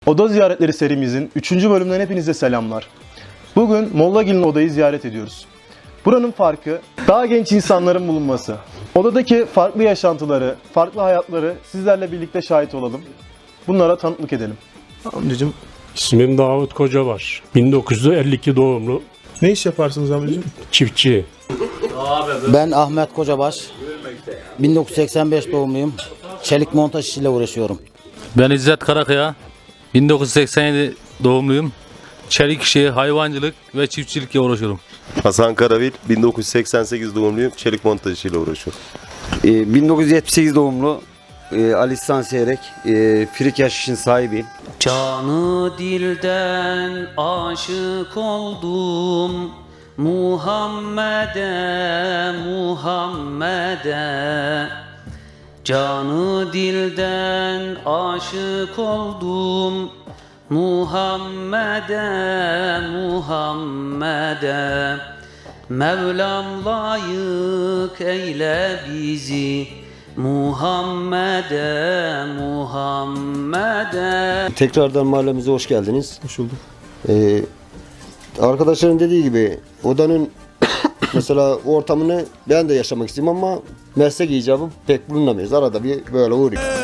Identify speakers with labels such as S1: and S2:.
S1: Oda ziyaretleri serimizin 3. bölümünden hepinize selamlar. Bugün Mollagil'in odayı ziyaret ediyoruz. Buranın farkı daha genç insanların bulunması. Odadaki farklı yaşantıları, farklı hayatları sizlerle birlikte şahit olalım. Bunlara tanıklık edelim.
S2: Amcacığım
S3: İsmim Davut Kocabaş. 1952 doğumlu,
S2: ne iş yaparsınız amcacığım?
S3: çiftçi.
S4: Ben Ahmet Kocabaş. 1985 doğumluyum. Çelik montaj işiyle uğraşıyorum.
S5: Ben İzzet Karakaya, 1987 doğumluyum. Çelik işi, hayvancılık ve çiftçilikle uğraşıyorum.
S6: Hasan Karavil, 1988 doğumluyum. Çelik montajıyla uğraşıyorum.
S7: 1978 doğumlu Ali İhsan Seyrek, Frikyaş işin sahibiyim.
S8: Canı dilden aşık oldum Muhammed'e, Muhammed'e. Canı dilden aşık oldum Muhammed'e, Muhammed'e. Mevlam layık eyle bizi Muhammed'e, Muhammed'e.
S7: Tekrardan mahallemize hoş geldiniz.
S2: Hoş bulduk.
S7: Arkadaşların dediği gibi odanın mesela ortamını ben de yaşamak istiyorum ama meslek icabı pek bulunamıyoruz. Arada bir böyle uğrayayım.